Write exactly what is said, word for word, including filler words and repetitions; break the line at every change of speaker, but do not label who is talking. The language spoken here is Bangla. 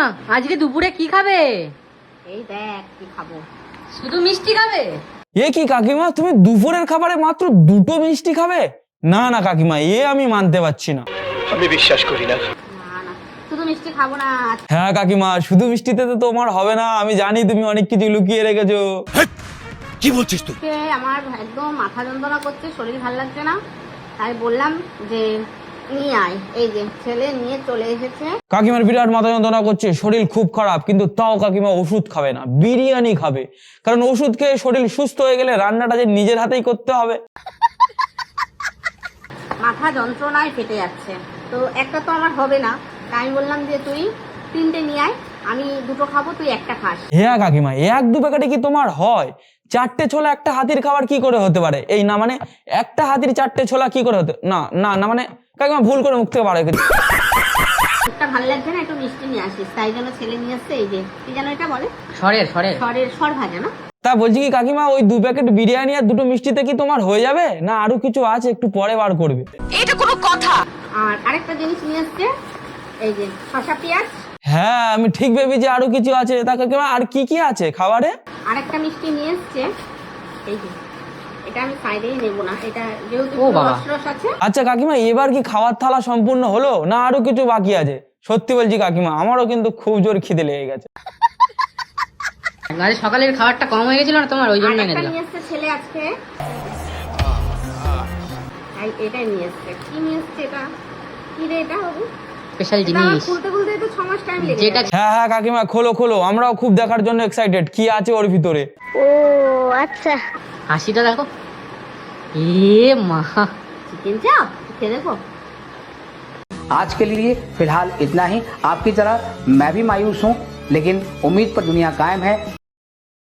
আজকে দুপুরে কি খাবে?
এই দেখ কি খাবো।
শুধু মিষ্টি খাবে?
এ কি কাকিমা, তুমি দুপুরের খাবারে মাত্র দুটো মিষ্টি খাবে? না না কাকিমা, এ আমি মানতে পারছি না।
আমি বিশ্বাস করি না।
না না শুধু মিষ্টি খাবো না।
হ্যাঁ কাকিমা, শুধু মিষ্টিতে তো তোমার হবে না, আমি জানি তুমি অনেক কিছু লুকিয়ে রেখেছো।
কি বলছিস তুই?
আজকে আমার একদম মাথা যন্ত্রণা করছে, শরীর ভালো লাগছে না, তাই বললাম যে নিয়ে আয়। এই যে ছেলে নিয়ে চলে এসেছে।
কাকিমার বিরাট মাথা যন্ত্রণা করছে, শরীর খুব খারাপ, কিন্তু তাও কাকিমা ওষুধ খাবে না, বিরিয়ানি খাবে। কারণ ওষুধ খেয়ে শরীর সুস্থ হয়ে গেলে রান্নাটা যে নিজের হাতেই করতে হবে।
মাথা যন্ত্রণায় ফেটে যাচ্ছে, তো একটা তো আমার হবে না, তাই আমি বললাম যে তুই তিনটে নিয়ে আয়, আমি দুটো খাবো, তুই একটা খাস।
হ্যাঁ কাকিমা, এক দু প্যাকেটে কি তোমার হয়? চারটে ছোলা একটা হাতির খাবার কি করে হতে পারে? এই না মানে একটা হাতির চারটে ছোলা কি করে হতে? না না না মানে কাকিমা ভুল করে মুখ থেকে বার হয়ে গেছে।
একটা ভালো লাগছে না, একটু মিষ্টি নিয়ে আসিস, তাই জন্য ছেলে নিয়ে আসছে। এই যে কি যেন এটা বলে,
সরের সরের
সরের সর ভাজা না?
তা বলছি কি কাকিমা, ওই দু প্যাকেট বিরিয়ানি আর দুটো মিষ্টিতে কি তোমার হয়ে যাবে, না আরো কিছু আছে একটু পরে বার করবে?
এটা কোনো কথা?
আর আরেকটা জিনিস নিয়ে আসছে, এই যে শসা পেঁয়াজ।
হ্যাঁ আমি ঠিক ভেবেছি আরো কিছু আছে। তা কাকিমা আর কি কি আছে খাবারে?
আরেকটা মিষ্টি নিয়ে এসছে, এই যে এটা আমি সাইডেই নেবো না, এটা যেহেতু
ও বাবা।
রস রস আছে।
আচ্ছা কাকিমা, এবার কি খাওয়ার থালা সম্পূর্ণ হলো, না আরো কিছু বাকি আছে? সত্যি বলছি কাকিমা, আমারও কিন্তু খুব জোর খিদে লেগে গেছে।
আজ সকালের খাবারটা কম হয়ে গেছিল না তোমার, ওই জন্য এনে
আরেকটা
দিলাম।
নিয়ে এসছে ছেলে আজকে, এই এটাই নিয়ে এসছে। কি নিয়ে এসছে এটা? কি রে এটা হবে?
স্পেশাল
এটা আমার
জিনিস
খুলতে খুলতে তো ছ মাস টাইম লেগে
যেটা
যাবে।
হ্যাঁ হ্যাঁ কাকিমা, খোলো খোলো, আমরাও খুব দেখার জন্য এক্সাইটেড, কি আছে ওর ভিতরে।
হাসিটা দেখো, এ মা।
চিকেন চাপ খেয়ে দেখো।
आज के लिए फिलहाल इतना ही। आपकी तरह मैं भी मायूस हूँ, लेकिन उम्मीद पर दुनिया कायम है।